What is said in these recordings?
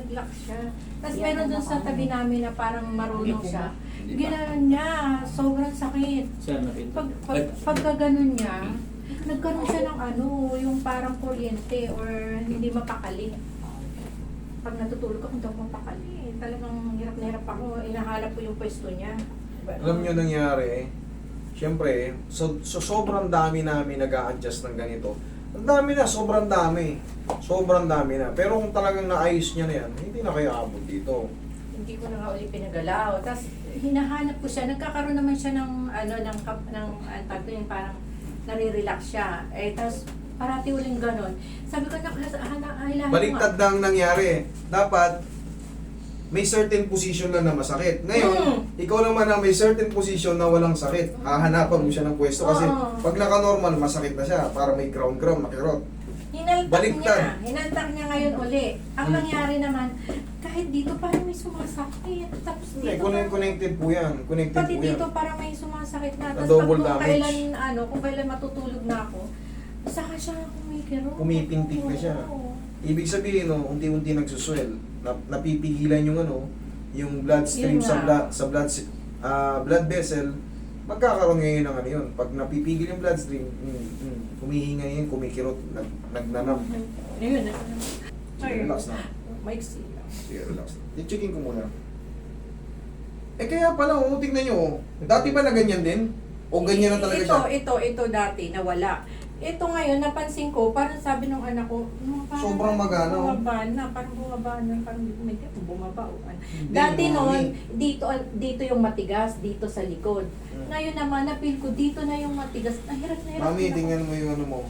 nag-lock siya. Tapos meron dun sa tabi namin na parang marunong siya. Ginanon niya, sobrang sakit. Sir, nakita. Pagka ganun niya, nagkaroon siya ng ano, yung parang kuryente or hindi mapakali. Pag natutulog ako, hindi ako mapakali. Talagang hirap na hirap ako. Inahanap ko yung pwesto niya. Alam nyo nangyari, siyempre, sobrang dami namin nag-a-adjust ng ganito. Ang dami na, sobrang dami. Sobrang dami na. Pero kung talagang naayos niya na yan, hindi na kayo abot dito. Hindi ko na nga uli pinagalaw. Tapos hinahanap ko siya. Nagkakaroon naman siya ng ano ng tag doon, parang nare-relax siya. Eh tapos parati uling ganon. Sabi ko na Baliktad na ang nangyari. Dapat, may certain position lang na masakit. Ngayon, ikaw naman na may certain position na walang sakit. Hahanapan mo siya ng pwesto kasi pag naka-normal, masakit na siya. Para may ground, nakirot. Hinaltak niya ngayon uli. Ang nangyari naman, kahit dito parang may sumasakit. Tapos dito Connected po yan. Connected pati po yan. dito parang may sumasakit na. Na Tapos double kung damage. kung kailan matutulog na ako, saka siya kumikiro. Pumipintik na siya. Oo. Ibig sabihin, no, unti-unti nagsuswell. Napipigilan yung yung blood stream Yun sa nga. blood vessel. Magkakaroon ngayon ng ano yun. Pag napipigil yung blood stream, humihinga yun, kumikirot, nagnanam. Ayun. Sige, relax na. Maiksi lang. Sige, relax na. I-checkin ko muna. Kaya pala, tingnan nyo. Dati ba na ganyan din? O ganyan na talaga siya? Ito dati, nawala. Ito ngayon, napansin ko, parang sabi ng anak ko, parang Sobrang magana, oh. parang bumaba na, parang may bumaba. Hindi, Dati mami. noon, dito yung matigas, dito sa likod. Ngayon naman, napil ko, dito na yung matigas. Hirap na hirap. Mami, na ako. tingnan mo yung ano mo.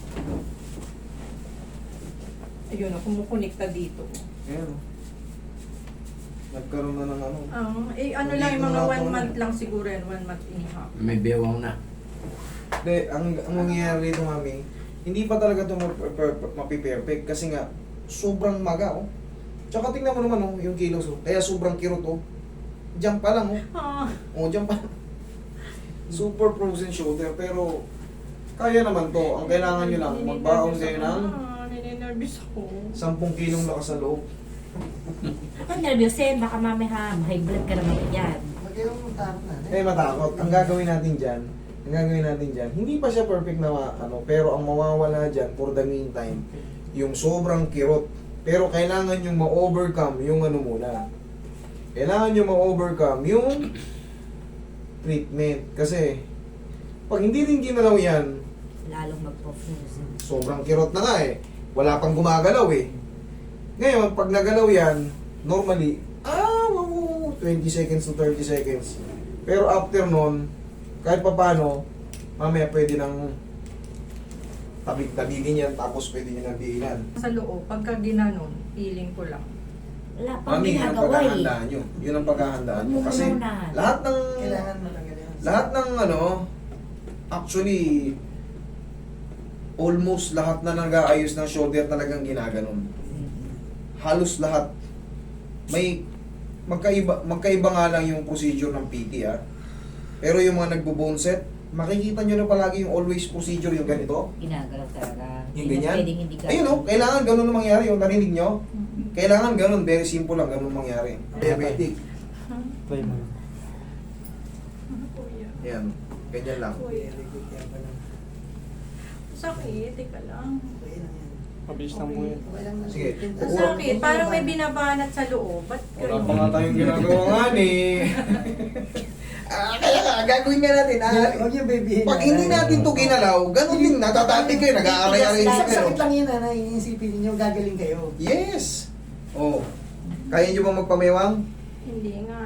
Ayun, kumukunikta dito. Ayan. Nagkaroon na ng ano. Ano lang, yung mga 1 month lang siguro yan, 1 month and a half. May bewang na. Hindi, ang mangyayari dito, mami, hindi pa talaga ito mapiperfect kasi nga, sobrang maga, oh. Tsaka tingnan mo naman, oh, yung kilos, oh. Kaya sobrang kirot, oh. Diyan pa lang, oh. Oh, diyan pa. Super frozen shoulder, pero kaya naman to. Ang kailangan nyo lang, magbaon kayo ng Ninenervous ako. 10 kilong lakas sa loob. Kung nervyosin, baka mamaya high blood ka naman yan. Matakot. Ang gagawin natin dyan, hindi pa siya perfect na pero ang mawawala dyan for the meantime, yung sobrang kirot. Pero kailangan yung ma-overcome yung muna. Kailangan yung ma-overcome yung treatment. Kasi, pag hindi rin ginalaw yan, Lalong mag-focus. sobrang kirot na nga eh. Wala pang gumagalaw eh. Ngayon, pag nagalaw yan, normally, 20 seconds to 30 seconds. Pero after nun, kahit pa paano, mamaya pwede nang tabig-tabigin yan, tapos pwede nyo nang diinan. Sa loob, pagka ginanon, feeling ko lang. Wala pang Mami, yun ang ginagawa eh. paghahandaan nyo. Yun ang paghahandaan nyo. Kasi Muna. lahat ng actually, almost lahat na nag-aayos ng shoulder talagang ginaganon. Halos lahat. May magkaiba nga lang yung procedure ng PT, ah. Pero yung mga nagbo-bone set, makikita nyo na palagi yung always procedure yung ganito. Ginagalaw talaga. Yung Hindi na ganyan. pwedeng hindi Ayun, oh, kailangan ganun ang mangyari. Yung narinig nyo, kailangan ganun. Very simple lang, ganun mangyari. Diabetic. Try mo. Yan. Ganyan lang. Sakit, teka lang. Mabilis lang po yan. Sige. Sakit, parang may binabanat sa loob. Ba't Wala pa nga tayong ginagawa nga eh. Kaya nga, gagawin nga natin. Huwag yung baby. Pag hindi natin to ginalaw, ganun din, natatabi kayo, nag-aaray-aray din kayo. Sakit lang yun, nanay. Iisipin ninyo, gagaling kayo. Yes! Oh. Kaya nyo ba magpamewang? Hindi nga.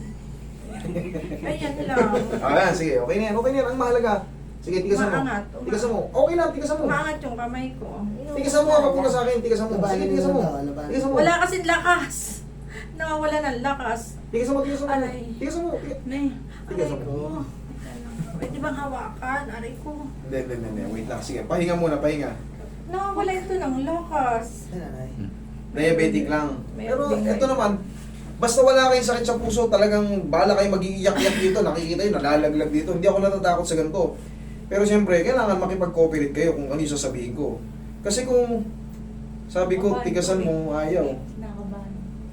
Ayan lang. Sige, okay na yan, okay na yan. Ang mahalaga. Sige, tigasan mo. Maangat. Tigasan mo. Okay lang, tigasan mo. Umaangat yung kamay ko. Tigasan mo, kapag muna sa akin, tigasan mo. Sige, tigasan mo. Tigasan mo. Wala kasing lakas. Nawawala ng lakas. Tigasan mo, tigasan mo. Aray. Tigasan mo. Nay, Tigasan aray mo. ko. Pwede bang hawakan? Aray ko. Hindi. Wait lang. Sige, pahinga muna, pahinga. Nawawala ito ng lakas. Diabetic lang. Pero Diabetic. ito naman, basta wala kayong sakit sa puso, talagang bahala kayo mag-iiyak-iyak dito, nakikita yun, nalalaglag dito. Hindi ako natatakot sa ganito. Pero siyempre, kailangan makipag-cooperate kayo kung ano yung sasabihin ko. Kasi kung sabi ko, tigasan mo, ayaw. Nakabahan.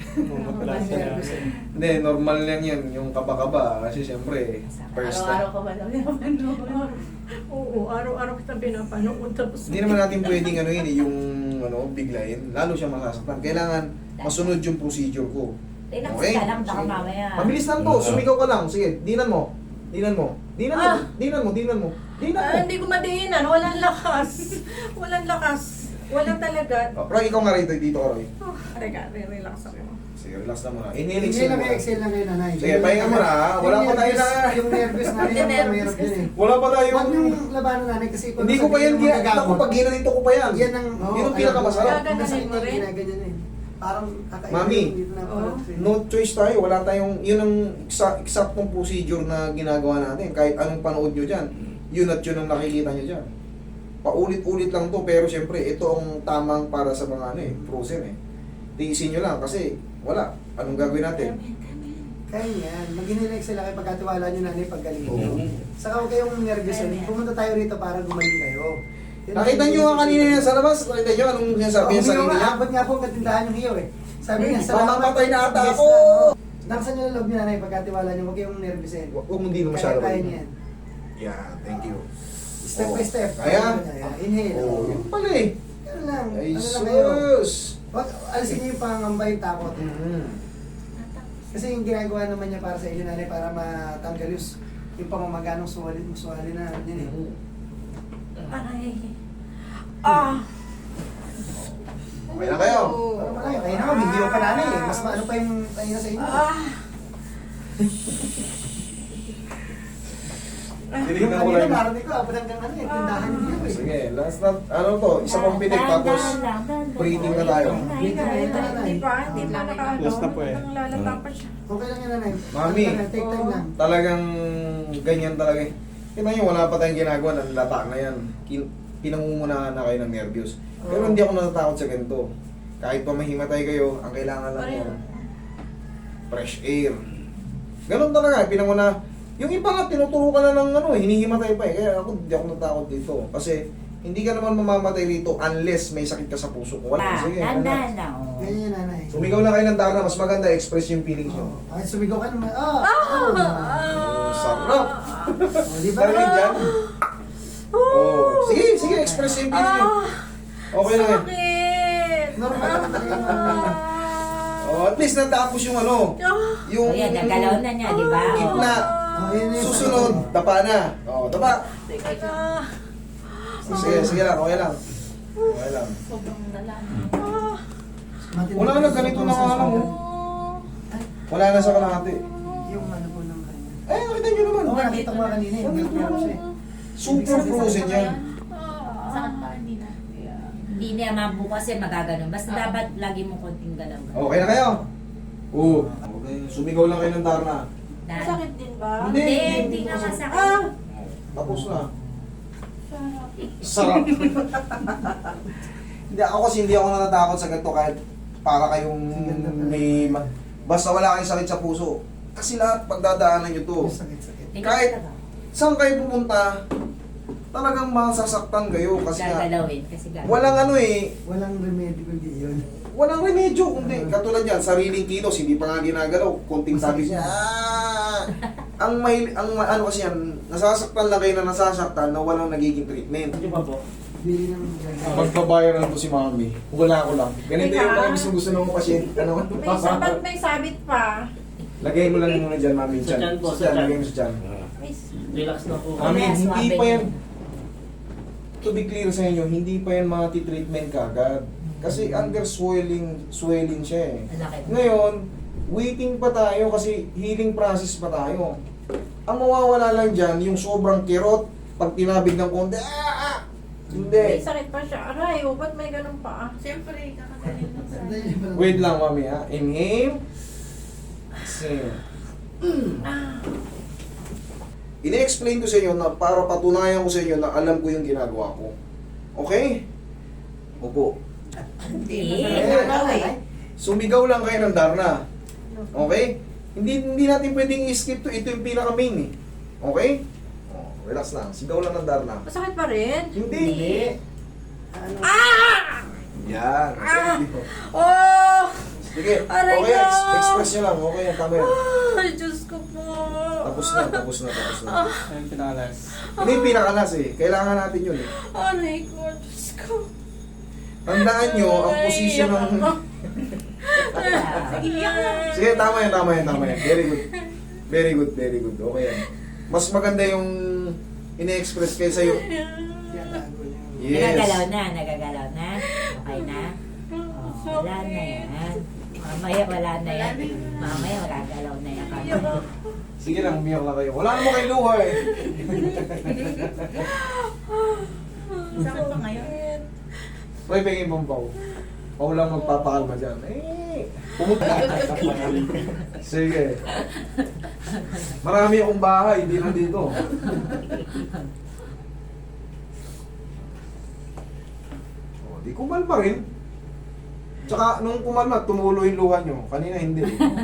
Wala siya. Hindi, normal lang yan, yung kaba-kaba. Kasi siyempre, first time. Araw-araw ka ba lang pinapanood? Oo, araw-araw kita pinapanood. Tapos, Hindi naman natin pwedeng ano yun, yung biglayin. Lalo siya masasaktan. Kailangan masunod yung procedure ko. Relax Okay. ka lang, baka Sige. mamaya. Mabilis lang to, sumigaw ka lang. Sige, dinan mo. Dinan mo. Dinan mo. Dinan mo, dinan mo. Dinan mo. hindi ko madiinan. Walang lakas. Walang lakas. Walang talaga. Oh, Roy, ikaw nga rito, dito ka, Roy. Teka, relax ako. Sige, relax na muna. Inhale, Exhale exhale lang, muna. exhale lang kayo, nanay. Sige, pahinga mo na, ha? Wala pa tayo na. Yung nervous na Hindi, yun, nervous mahirap yun eh. Wala pa tayo. Huwag niyong labanan, nanay, kasi kung Hindi ko pa yan, ako pag ginanito ko pa yan. Yan ang, Yun ang pinakamasarap. Gaganunin mo rin? Ginaganyan eh. Parang kakaiba. Mami. Dito na parang No choice tayo, wala tayong, yun ang eksaktong procedure na ginagawa natin. Kahit anong panood nyo dyan, yun at yun ang nakikita nyo dyan. Paulit-ulit lang to, pero syempre, ito ang tamang para sa mga frozen eh. Tiisin nyo lang kasi wala. Anong gagawin natin? Kaya yan. Mag-inhale lang kayo pagkatiwala nyo, nanay, paggaling Oo. nyo. Saka huwag kayong nervous eh. Pumunta tayo rito para gumaling kayo. Yun Nakita ang- nyo nga kanina yan sa labas, nakita nyo anong sinasabi niya sa Umiyaw sarili nga, niya? abot nga po ang katindahan yung hiyo eh. Sabi niya, Mamamatay na ata Yes ako! lang, oo. Nakasan nyo ng loob niya, nanay, pagkatiwala nyo, huwag kayong nervous eh. Huwag mo hindi na masyado. Kaya niya yan. Yeah, thank you. Step by step. Kaya? Inhale. Oh, yun pala eh. Ganun lang. Ay, Ano lang kayo. sus! Wag, alisin niyo yung pangamba yung takot. Mm. Kasi yung ginagawa naman niya para sa inyo, nanay, para matanggal yung pamamaga ng suwali na yun eh. Aray. Ah. Okay na kayo. Parang malaki. Kaya naman, video pa nanay eh. Mas maano pa yung tayo sa inyo. Ah. Yung Tinignan ko kanina, lang. narinig ko, abot hanggang ano eh, tindahan niyo eh. Sige, last na, ano to, isa pang pitik tapos breathing na tayo. Hindi pa. Hindi pa nakaano. Last na po eh. Lalata pa siya. Okay lang yan, nanay. Mami. Ano lang, take time lang. Talagang ganyan talaga eh. Kita nyo, wala pa tayong ginagawa, nanlata na yan. Pinangungunahan na kayo ng nervyos. Pero hindi ako natatakot sa ganito. Kahit pa mahimatay kayo, ang kailangan lang mo, fresh air. Ganon talaga, pinanguna. Yung iba nga, tinuturo ka na ng hinihimatay pa eh. Kaya ako, hindi ako natakot dito. Kasi, hindi ka naman mamamatay dito unless may sakit ka sa puso. Kung wala, sige. Tandaan lang. oh. Ganyan yan, nanay. Sumigaw lang kayo ng Dara, mas maganda, express yung feelings nyo. Ay, sumigaw ka naman. Sarap! Di ba? Narinig dyan? Oh, sige, sige, express yung feeling nyo. Okay lang yan. Sakit. Normal lang talaga. Oh, at least natapos yung yung O yan, nagalaw na niya, di ba? gitna. Oh, yun yun. Susunod, tapa na. Oh, tapa. Ah. Sige, sige lang, okay lang. Okay lang. Sobrang dalan. Wala na, ganito na nga lang, oh. Wala na sa kalahati. Yung ano po ng kanya. Eh, nakita nyo naman. Oo, nakita ko nga kanina eh. Nakita ko siya eh. Super frozen yan. Saan pa? Hindi na. Hindi niya mabukas kasi magaganon. Basta dapat lagi mo konting galaw. Okay na kayo? Oo. Okay, sumigaw lang kayo ng Darna. Masakit din ba? Hindi. Hindi nga masakit. Ah. Tapos na. Sarap. Hindi ako kasi hindi ako natatakot sa ganito kahit para kayong may basta wala kayong sakit sa puso. Kasi lahat pagdadaanan nyo to. Sakit-sakit. Kahit saan kayo pumunta, talagang masasaktan kayo kasi nga, Gagalawin kasi gagawin. walang Walang remedy kundi yun. walang remedyo kundi katulad yan, sariling kilos, hindi pa nga ginagalaw, konting sabi niya. Ano kasi yan, nasasaktan lang kayo na nasasaktan na walang nagiging treatment. Bili ng Magbabayaran ko si Mami. Wala ko lang. Ganito yung mga gusto ng mga pasyente. Ano? May sabat, may sabit pa. Lagay mo lang muna dyan, Mami. Sa tiyan po, Sa sa tiyan, tiyan. lagay mo sa tiyan. May Relax na po. Mami, Yes, hindi Mami. pa yan. To be clear sa inyo, hindi pa yan mga treatment kagad. Kasi under swelling siya eh. Malaki. Ngayon, waiting pa tayo kasi healing process pa tayo. Ang mawawala lang dyan, yung sobrang kirot, pag tinabig ng konti, may Hindi. sakit pa siya. Aray, ba't may ganun pa? Siyempre, kakagaling lang sa Wait lang, Mami ha. Inhale. Exhale. Ine-explain ko sa inyo na para patunayan ko sa inyo na alam ko yung ginagawa ko. Okay? Opo. Hindi. Sumigaw lang kayo ng Darna. Okay? Hindi natin pwedeng i-skip to. Ito yung pinaka-main eh. Okay? Oh, relax lang. Sigaw lang ng Darna. Masakit pa rin? Hindi. Ano? Ah! Yan. Oh! Sige, Aray okay, ko! express nyo lang. Okay, tama yan. Ay, Diyos ko po. Tapos na. Ayun, pinakalas. Hindi yung pinakalas eh. Kailangan natin yun eh. Aray ko, Diyos ko. Tandaan nyo, ang posisyon ng... Sige, iyak na. Sige, tama yan. Very good. Okay yan. Mas maganda yung ine-express kaysa yung... Tinatago niya. Yes. Nagagalaw na. Okay na? Oh, wala na yan. Mamaya wala na yan. Mamaya wala galaw na yan. Sige lang, umiyak na kayo. Wala naman kayo luha eh. Saan pa ngayon? May pengin mong pao. Pao lang magpapakalma dyan. Pumunta. Sige. Marami akong bahay, hindi lang dito. Di kumalma rin. Tsaka nung kumalma, tumulo yung luha nyo. Kanina hindi.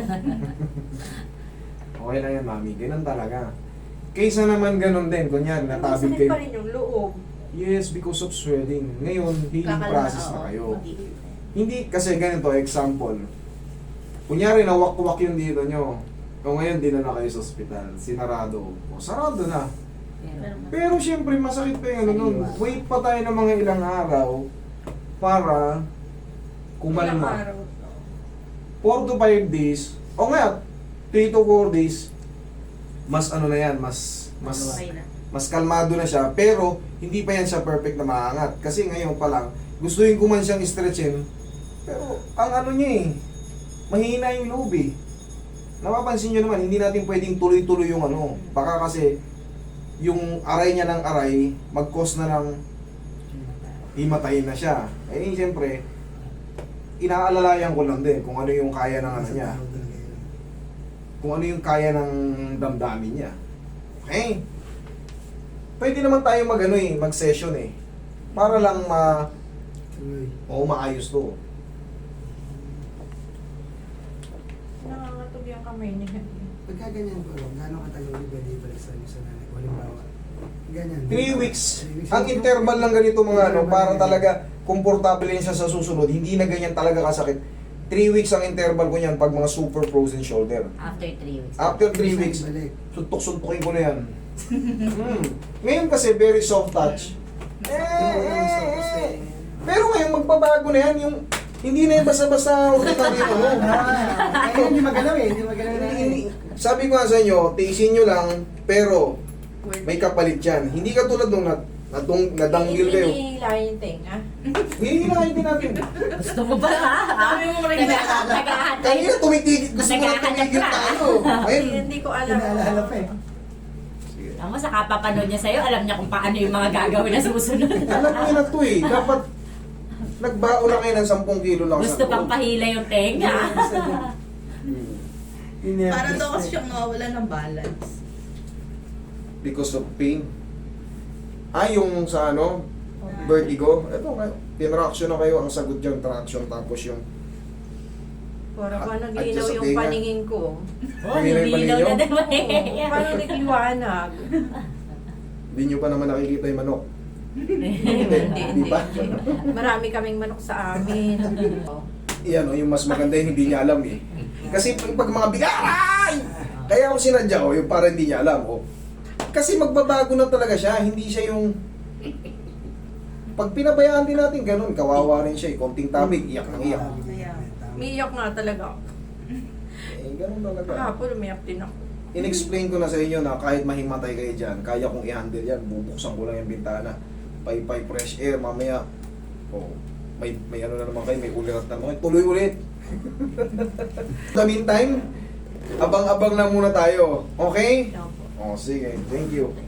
Okay lang yan, mami. Ganun talaga. Kaysa naman ganun din. Kunyari, natabig Masakit kayo. pa rin yung loob. Yes, because of swelling. Ngayon, healing process na kayo. Hindi, kasi ganito, example. Kunyari, nawak-wak yung dito nyo. O ngayon, dinala kayo sa ospital. Sinarado. O, sarado na. Pero syempre, masakit pa yung ano nun. Wait pa tayo ng mga ilang araw para kumalma. 4 to 5 days. O nga, 3 to 4 days. Mas ano na yan, mas kalmado na siya. Pero, hindi pa yan siya perfect na maangat. Kasi ngayon pa lang, gustuin ko man siyang stretchin. Pero, ang ano niya eh, mahina yung loob eh. Napapansin nyo naman, hindi natin pwedeng tuloy-tuloy yung ano. Baka kasi, yung aray niya ng aray, mag-cause na ng himatayin na siya. Eh, siyempre, inaalalayan ko lang din kung ano yung kaya ng ano niya. Kung ano yung kaya ng damdamin niya. Okay? Pwede naman tayo mag-session eh. Para lang maayos to. Nangangatog yung kamay niya. Pagka ganyan po, gano'ng katagal ulit pwede ibalik sa inyo sa nanay? O halimbawa, ganyan. 3 weeks. Ang interval lang ganito mga ano, para talaga komportable yan siya sa susunod. Hindi na ganyan talaga kasakit. 3 weeks ang interval ko niyan pag mga super frozen shoulder. After 3 weeks. After 3 weeks, Balik. suntok-suntokin ko na yan. Ngayon kasi very soft touch. Pero ngayon magbabago na yan. Yung, hindi na yung basta-basta ordinary yung ano. Kaya hindi magalaw eh, hindi magalaw na Sabi ko nga sa inyo, tiisin nyo lang, pero may kapalit yan. Hindi ka tulad nung nadanggil kayo. Hinihilahin yung tenga. Hihilahin din natin. Gusto mo ba ha? Sabi mo rin Nag-ahantay. Kanina tumitigil, gusto ko na tumigil tayo. Ayun. Hindi ko alam. Pinaalala pa eh. Sige. Alam mo, sa kapapanood niya sa'yo, alam niya kung paano yung mga gagawin na susunod. Alam mo yun na to eh. Dapat nagbaon na kayo ng 10 kilo lang Gusto pang pahila yung tenga. Para daw kasi siyang nawawala ng balance. Because of pain. Yung sa ano, vertigo. Ito kayo. Tinraction na kayo. Ang sagot dyan, traction. Tapos yung Para pa Adjust naglinaw sa yung tenga. paningin ko. Oh, nilinaw na naman Oo, parang nagliwanag. hindi nyo pa naman nakikita yung manok. Hindi, Di ba? Marami kaming manok sa amin. Yan yung mas maganda yung hindi niya alam eh. Kasi pag mga bigaray! Kaya ako sinadya yung para hindi niya alam. Kasi magbabago na talaga siya. Hindi siya yung... Pag pinabayaan din natin ganun, kawawa rin siya. Konting tabig, iyak ng iyak. Umiiyak nga talaga ako. Ganun talaga. Kahapon umiyak din ako. In-explain ko na sa inyo na kahit mahimatay kayo dyan, kaya kong i-handle yan. Bubuksan ko lang yung bintana. Pay fresh air, mamaya. May ano na naman kayo, may ulirat na naman. Tuloy ulit. In the meantime, abang-abang na muna tayo. Okay? Sige. Thank you.